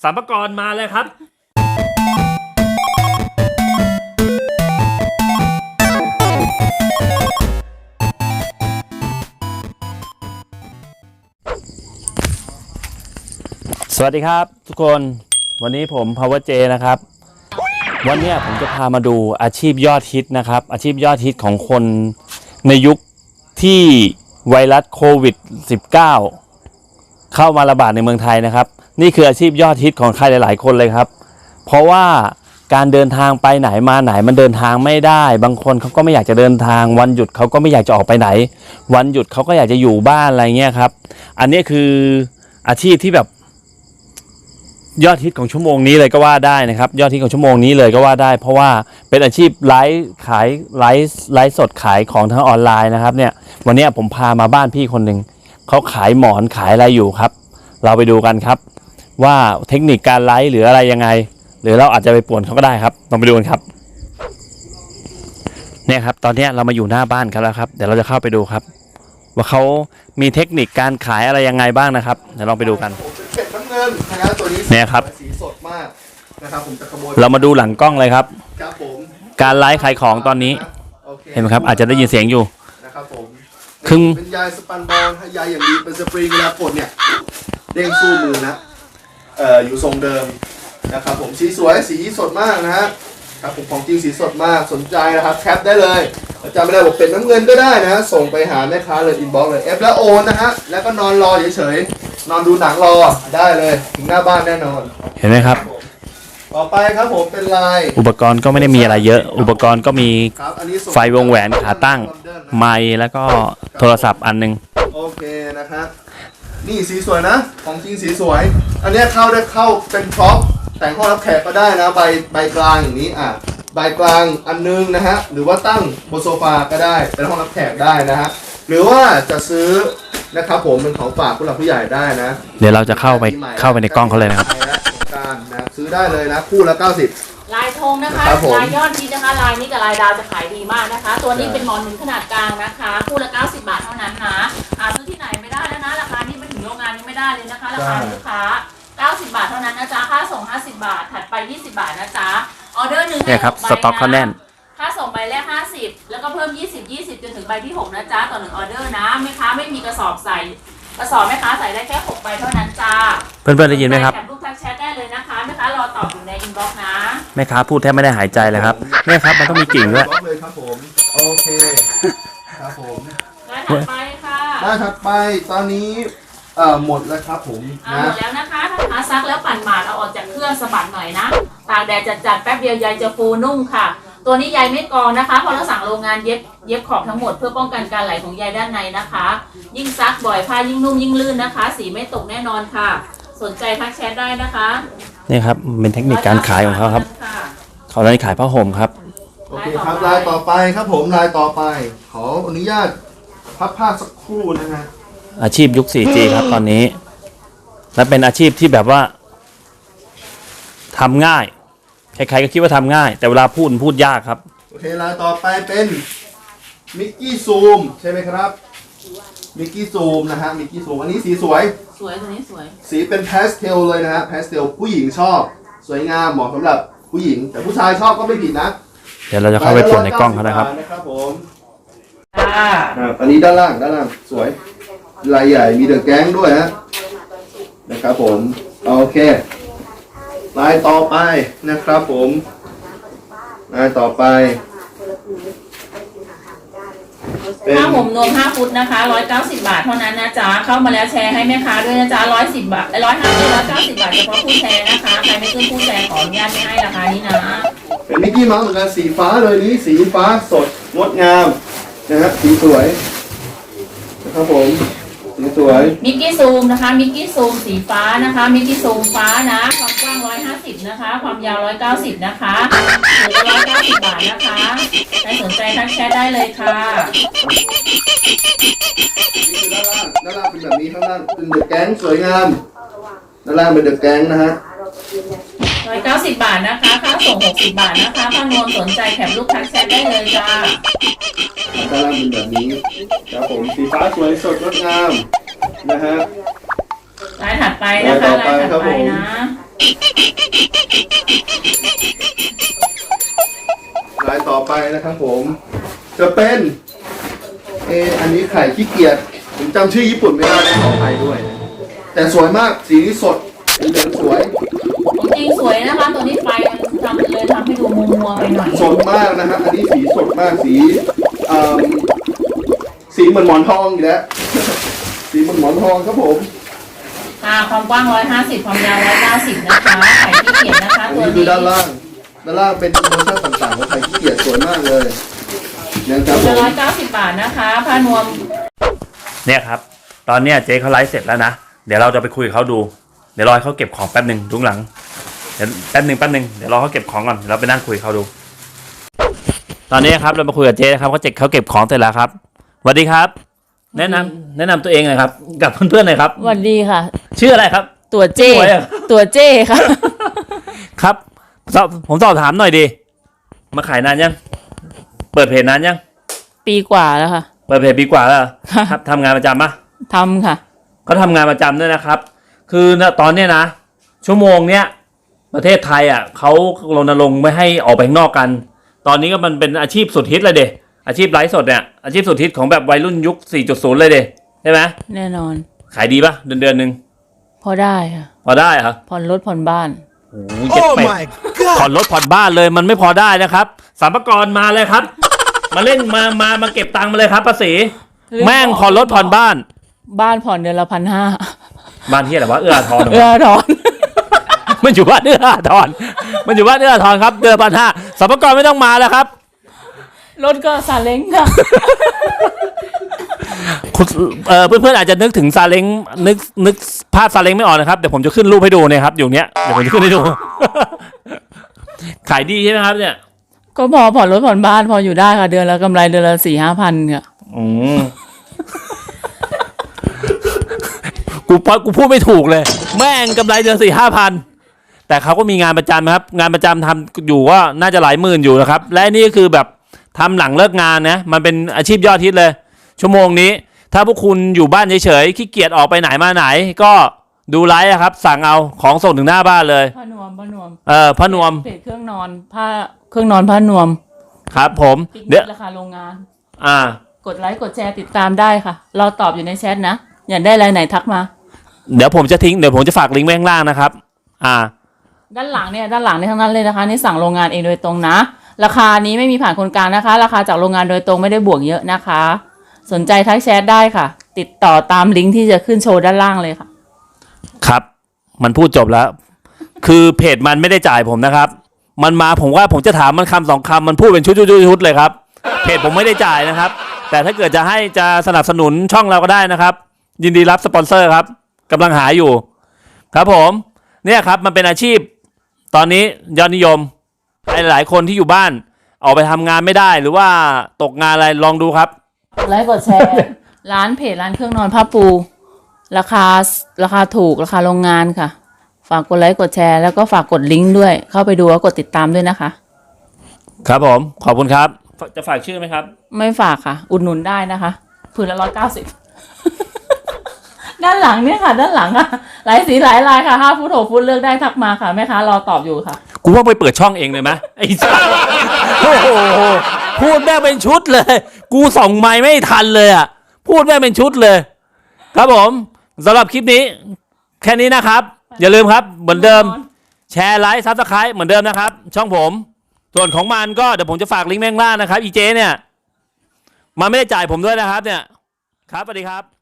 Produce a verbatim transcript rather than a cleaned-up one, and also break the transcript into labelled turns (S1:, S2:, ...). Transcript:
S1: สามกรมาเลยครับสวัสดีครับทุกคนวันนี้ผม Power J นะครับวันนี้ผมจะพามาดูอาชีพยอดฮิตนะครับอาชีพยอดฮิตของคนในยุคที่ไวรัสโควิด สิบเก้า เข้ามาระบาดในเมืองไทยนะครับนี่คืออาชีพยอดฮิตของใครหลายๆคนเลยครับเพราะว่าการเดินทางไปไหนมาไหนมันเดินทางไม่ได้บางคนเขาก็ไม่อยากจะเดินทางวันหยุดเขาก็ไม่อยากจะออกไปไหนวันหยุดเขาก็อยากจะอยู่บ้านอะไรเงี้ยครับอันนี้คืออาชีพที่แบบยอดฮิตของชั่วโมงนี้เลยก็ว่าได้นะครับยอดฮิตของชั่วโมงนี้เลยก็ว่าได้เพราะว่าเป็นอาชีพไลฟ์ขายไลฟ์ไลฟ์สดขายของทางออนไลน์นะครับเนี่ยวันนี้ผมพามาบ้านพี่คนหนึ่งเขาขายหมอนขายอะไรอยู่ครับเราไปดูกันครับว่าเทคนิคการไลฟ์หรืออะไรยังไงหรือเราอาจจะไปป่วนเขาก็ได้ครับลองไปดูกันครับเนี่ยครับตอนนี้เรามาอยู่หน้าบ้านเขาแล้วครับเดี๋ยวเราจะเข้าไปดูครับว่าเขามีเทคนิคการขายอะไรยังไงบ้างนะครับเดี๋ยวลองไปดูกัน
S2: เป็ดน้ำเงินนะครับตัวนี้
S1: เนี่ยครับ
S2: สีสดมากนะครับผมจะขโมย
S1: เรามาดูหลังกล้องเลยครับ
S2: ครับผม
S1: การไลฟ์ขายของตอนนี้เห็นไหมครับอาจจะได้ยินเสียงอยู่
S2: นะครับผม
S1: ครึ่ง
S2: เป็นยายสปันบอลยายอย่างดีเป็นสปริงเวลากดเนี่ยเด้งสู้มือนะเอ่ออยู่ทรงเดิมนะครับผมสีสวยสีสดมากนะฮะครับผมของจริงสีสดมากสนใจนะครับแคปได้เลยจำไม่ได้บอกเป็นน้ำเงินก็ได้นะฮะส่งไปหาแม่ค้าเลยอินบ็อกซ์เลยเอฟแล้วโอนนะฮะแล้วก็นอนรอเฉยๆนอนดูหนังรอได้เลยถึงหน้าบ้านแน่นอน
S1: เห็นไหมครับ
S2: ต่อไปครับผมเป็นลาย
S1: อุปกรณ์ก็ไม่ได้มีอะไรเยอะอุปกรณ์ก็มีไฟวงแหวนขาตั้งไมค์แล้วก็โทรศัพท์อันนึง
S2: โอเคนะครับนี่สีสวยนะของจริงสีสวยอันนี้เข้าได้เข้าเป็นพร็อพแต่งห้องรับแขกก็ได้นะใบใบกลางอย่างนี้อ่ะใบกลางอันนึงนะฮะหรือว่าตั้งบนโซฟาก็ได้เป็นห้องรับแขกได้นะฮะหรือว่าจะซื้อนะครับผมเป็นของฝากผู้หลักผู้ใหญ่ได้นะ
S1: เดี๋ยวเราจะเข้าไปเข้าไปในกล้องเขาเลยนะครับ
S2: การนะซื้อได้เลยนะคู่ละเก้าสิบ
S3: ลายธงนะคะลายยอดฮิตนะคะลายนี้กับลายดาวจะขายดีมากนะคะตัวนี้เป็นหมอนหนุนขนาดกลางนะคะคู่ละเก้าสิบบาทเท่านั้นนะหาซื้อที่ไหนไม่ได้แล้วนะราคานี้ไปถึงโรงงานยังไม่ได้เลยนะคะราคาลูกค้าเก้าสิบบาทเท่านั้นนะจ๊ะค่าส่งห้าสิบบาทถัดไปยี่สิบบาทนะจ๊ะออเดอร์หนึ่ง
S1: เนี่ยครับสต็อกเขาแน่น
S3: ค่าส่งใบแรกห้าสิบแล้วก็เพิ่มยี่สิบ ยี่สิบจนถึงใบที่หกนะจ๊ะต่อหนึ่งออเดอร์นะแม่ค้าไม่มีกระสอบใส่กระสอบแม่ค้าใส่ได้แค่หกใบเท่านั้นจ้า
S1: เพื่อนๆได้ยินไหมครับ
S3: แคปรูปทักแชทได้เลยนะคะแม่ค้ารอตอบอยู่ในอินบ็อกซ์นะ
S1: แม่ค้าพูดแทบไม่ได้หายใจเลยครับแม่ครับมันต้องมีกิ่งด้วย
S2: เลยครับผมโอเคครับผม
S3: ได้ถัดไปค่ะ
S2: ได้ถัดไปตอนนี้เอ่อหมดแล้วครับผม
S3: หมดแล้วนะคะถ้าหาซักแล้วปั่นหมาดเอาออกจากเครื่องสะบัดหน่อยนะตากแดดจัดๆแป๊บเดียวใยจะฟูนุ่มค่ะตัวนี้ใยไม่กองนะคะพอเราสั่งโรงงานเย็บเย็บขอบทั้งหมดเพื่อป้องกันการไหลของใยด้านในนะคะยิ่งซักบ่อยผ้ายิ่งนุ่มยิ่งลื่นนะคะสีไม่ตกแน่นอนค่ะสนใจทักแชทได้นะคะ
S1: นี่ครับเป็นเทคนิคการขายของเขาครับเขาเลยขายผ้าห่มครับ
S2: โอเคครับลายต่อไปครับผมลายต่อไปขออนุญาตพับผ้าสักครู่นะฮะ
S1: อาชีพยุค โฟร์จี ครับตอนนี้และเป็นอาชีพที่แบบว่าทำง่ายใครๆก็คิดว่าทำง่ายแต่เวลาพูดพูดยากครับ
S2: โอเคลายต่อไปเป็นมิกกี้ซูมใช่ไหมครับมิกกี้ซูมนะฮะมิกกี้ซูมอันนี้สีสวย
S3: สวยตัวนี้สวย
S2: สีเป็นพาสเทลเลยนะฮะพาสเทลผู้หญิงชอบสวยงามเหมาะสำหรับผู้หญิงแต่ผู้ชายชอบก็ไม่ผิดนะ
S1: เดี๋ยวเราจะเข้าไปปวดในกล้องเขานะครับ
S2: นะครับผมอ่าอันนี้ด้านล่างด้านล่างสวยลายใหญ่มีเดอะแก๊งด้วยฮะนะครับผมโอเคลายต่อไปนะครับผมลายต่อไป
S3: ผ้าห่มนวมห้าฟุตนะคะร้อยเก้าสิบบาทเท่านั้นนะจ๊ะเข้ามาแล้วแชร์ให้แม่ค้าด้วยนะจ๊ะร้อยสิบบาทร้อยห้าสิบร้อยเก้าสิบบาทเฉพาะผู้แชร์นะคะใครไม่ขึ้นผู้แชร์ขออนุญาตไม่ให้ราคานี้นะ
S2: เป็นมิกกี้เมาส์เหมือนกันสีฟ้าเลยนี้สีฟ้าสดงดงามนะฮะสีสวยนะครับผมสีสวย
S3: มิกกี้ซูมนะคะมิกกี้ซูมสีฟ้านะคะมิกกี้ซูมฟ้านะความกว้างร้อยห้าสิบนะคะความยาวร้อยเก้าสิบนะคะหรือร้อยเก้าสิบบาทนะคะใครสนใจทักแชทได้เลยค่ะ
S2: นี่คือด้านล่างด้านล่างเป็นแบบนี้ข้างล่างเป็นเดอะแก๊งสวยงามด้านล่างเป็นเดอะแก๊งนะฮะ
S3: ร้อยเก้าสิบบาทนะคะค่าส่งหกสิบบาทนะคะถ้านวลสนใจแถมลูกทักแชทได้เลยจ้า
S2: ด้านล่างเป็นแบบนี้ครับผมสีฟ้าสวยสดงดงามนะฮะ
S3: ลายถัดไปนะคะลายถัดไปนะ
S2: ลายต่อไปนะครับผม จะเป็นเอออันนี้ไข่ขี้เกียจผมจำชื่อญี่ปุ่นไม่ได้ขออภัยด้วยนะแต่สวยมากสีนี้สดเหลืองสวย
S3: ของจริงสวยนะคะตัวนี้ไฟมันทำเลยทำให้ดูมัวมัวๆไปหน่อย
S2: สดมากนะฮะอันนี้สีสดมากสีเอ่อสีเหมือนหมอนทองอยู่แล้ว สีเหมือนหมอนทองครับผม
S3: อ่าความกว้างร้อยห้าสิบความยาวร้อยเก้าสิบนะคะไข่ที่เขียนนะคะ
S2: อัน
S3: ตัว
S2: นี้คื
S3: นี้
S2: อด้านล่างด้านล่างเป็นโปรโมชั่นต่างๆของไข่ขี้เกียจสวยมากเลยนะครับผ
S3: จะ
S2: ม
S3: ร้อยเก้าสิบบาทนะคะผ้านวม
S1: เนี่ยครับ ตอนเนี้ยเจ๊เขาไลฟ์เสร็จแล้วนะ เดี๋ยวเราจะไปคุยกับเขาดู เดี๋ยวรอให้เขาเก็บของแป๊บหนึ่งทุกหลัง เดี๋ยวแป๊บหนึ่งแป๊บหนึ่งเดี๋ยวรอเขาเก็บของก่อนเดี๋ยวเราไปนั่งคุยกับเขาดู ตอนนี้ครับเรามาคุยกับเจ๊นะครับเขาเจ็บเขาเก็บของเสร็จแล้วครับสวัสดีครับ แนะนำแนะนำตัวเองหน่อยครับ กับเพื่อนๆหน่อยครับ
S4: สวัสดีค่ะ
S1: ชื่ออะไรครับ
S4: ตัวเจ้
S1: สวยอะ
S4: ตัวเจ้ค่ะ
S1: ครับสอบผมสอบถามหน่อยดีมาขายนานยัง เปิดเพจนานยัง
S4: ปีกว่าแล้วค่ะ
S1: เปิดเพจปีกว่าแล้วเหรอครับทำงานประจำปะ
S4: ทำค่ะ
S1: เขาทำงานประจำด้วยนะครับ คือณตอนเนี้ยนะ ชั่วโมงเนี้ยประเทศไทยอ่ะเขารณรงค์ไม่ให้ออกไปข้างนอกกัน ตอนนี้ก็มันเป็นอาชีพสุดฮิตเลยเดอาชีพไลฟ์สดเนี่ยอาชีพสุดฮิตของแบบวัยรุ่นยุค สี่จุดศูนย์ เลยเดใช่ไหม
S4: แน่นอน
S1: ขายดีปะเดือนเดือนหนึ่ง
S4: พอได้ค่ะ
S1: พอได้เหรอ
S4: ผ่อนรถผ่อนบ้าน
S1: โอ้โหเจ็ดเป็ดผ่อนรถผ่อนบ้านเลยมันไม่พอได้นะครับสรรพากรมาเลยครับ มาเล่นมามามาเก็บตังค์มาเลยครับภาษีแม่งผ่อนรถผ่อนบ้าน
S4: บ้านผ่อนเดือนละพันห้า
S1: บ้านที่อะไรวะเอื้ออาทร
S4: เออถอน
S1: มันอยู่บ้านเอื้ออาทรมันอยู่บ้านเอื้ออาทรครับเดือนพันห้าสรรพากรไม่ต้องมาแล้วครับ
S4: รถก็ซาเล้งค่ะ
S1: คุณเอ่อเพื่อนๆอาจจะนึกถึงซาเล้งนึกนึกภาพซาเล้งไม่ออกนะครับเดี๋ยวผมจะขึ้นรูปให้ดูเนี่ยครับอยู่เนี้ยเดี๋ยวผมจะขึ้นให้ดู ขายดีใช่ไหมครับเนี่ย
S4: ก็พอผ่อนรถผ่อนบ้านพออยู่ได้ค่ะ เดือนละกำไรเดือนละสี่ห้าพันค่ะ
S1: อืม กูพอกูพูดไม่ถูกเลย แม่งกำไรเดือนสี่ห้าพันแต่เขาก็มีงานประจำครับ งานประจำทำอยู่ก็น่าจะหลายหมื่นอยู่นะครับ และนี่คือแบบทำหลังเลิกงานนะมันเป็นอาชีพยอดฮิตเลย ชั่วโมงนี้ ถ้าพวกคุณอยู่บ้านเฉยๆขี้เกียจออกไปไหนมาไหน ก็ดูไลฟ์อะครับ สั่งเอาของส่งถึงหน้าบ้านเลย
S4: ผ้านวมผ้านวม
S1: เออพระนวม
S4: เพจเครื่องนอนผ้าเครื่องนอนผ้านวม
S1: ครับ ผม
S4: ปิก
S1: เดี๋
S4: นิ
S1: ยว
S4: กราคาโรงงาน
S1: อ่า
S4: กดไลค์กดแชร์ติดตามได้ค่ะ เราตอบอยู่ในแชทนะ อยากได้รายไหนทักมา
S1: เดี๋ยวผมจะทิ้งเดี๋ยวผมจะฝากลิงก์ไว้ข้างล่างนะครับ อ่า
S4: ด้านหลังเนี่ยด้านหลังเนี่ยทั้งนั้นเลยนะคะนี่สั่งโรงงานเองโดยตรงนะ ราคานี้ไม่มีผ่านคนกลางนะคะ ราคาจากโรงงานโดยตรงไม่ได้บวกเยอะนะคะ สนใจทักแชทได้ค่ะ ติดต่อตามลิงก์ที่จะขึ้นโชว์ด้านล่างเลยค่ะ
S1: ครับ มันพูดจบแล้ว คือเพจมันไม่ได้จ่ายผมนะครับ มันมาผมว่าผมจะถามมันคำสองคำมันพูดเป็นชุดชุดชุดเลยครับ เพจผมไม่ได้จ่ายนะครับ แต่ถ้าเกิดจะให้จะสนับสนุนช่องเราก็ได้นะครับ ยินดีรับสปอนเซอร์ครับกำลังหาอยู่ ครับผม เนี่ยครับมันเป็นอาชีพ ตอนนี้ยอดนิยมหลายๆคนที่อยู่บ้าน ออกไปทำงานไม่ได้หรือว่าตกงานอะไรลองดูครับ
S4: ไลค์กดแชร์ ร้านเพจร้านเครื่องนอนผ้าปู ราคาราคาถูกราคาโรงงานค่ะ ฝากกดไลค์กดแชร์แล้วก็ฝากกดลิงก์ด้วย เข้าไปดูแล้วกดติดตามด้วยนะคะ
S1: ครับผมขอบคุณครับ จะฝากชื่อไหมครับ
S4: ไม่ฝากค่ะ อุดหนุนได้นะคะผืนละร้อยเก้าสิบ ด้านหลังเนี่ยค่ะ ด้านหลังค่ะ หลายสีหลายลายค่ะห้าฟุตหกฟุตเลือกได้ทักมาค่ะแม่ค้ารอตอบอยู่ค่ะ
S1: กูว่าไปเปิดช่องเองเลยไหมไอ้สัสโอ้โหพูดแม่งเป็นชุดเลย กูส่องไม้ไม่ทันเลยอ่ะ พูดแม่งเป็นชุดเลย ครับผมสำหรับคลิปนี้ แค่นี้นะครับ อย่าลืมครับ เหมือนเดิม แชร์ไลค์ซับสไครต์เหมือนเดิมนะครับ ช่องผม ส่วนของมันก็เดี๋ยวผมจะฝากลิงก์แม่งล่างนะครับ อีเจเนี่ย มันไม่ได้จ่ายผมด้วยนะครับ เนี่ย ครับสวัสดีครับ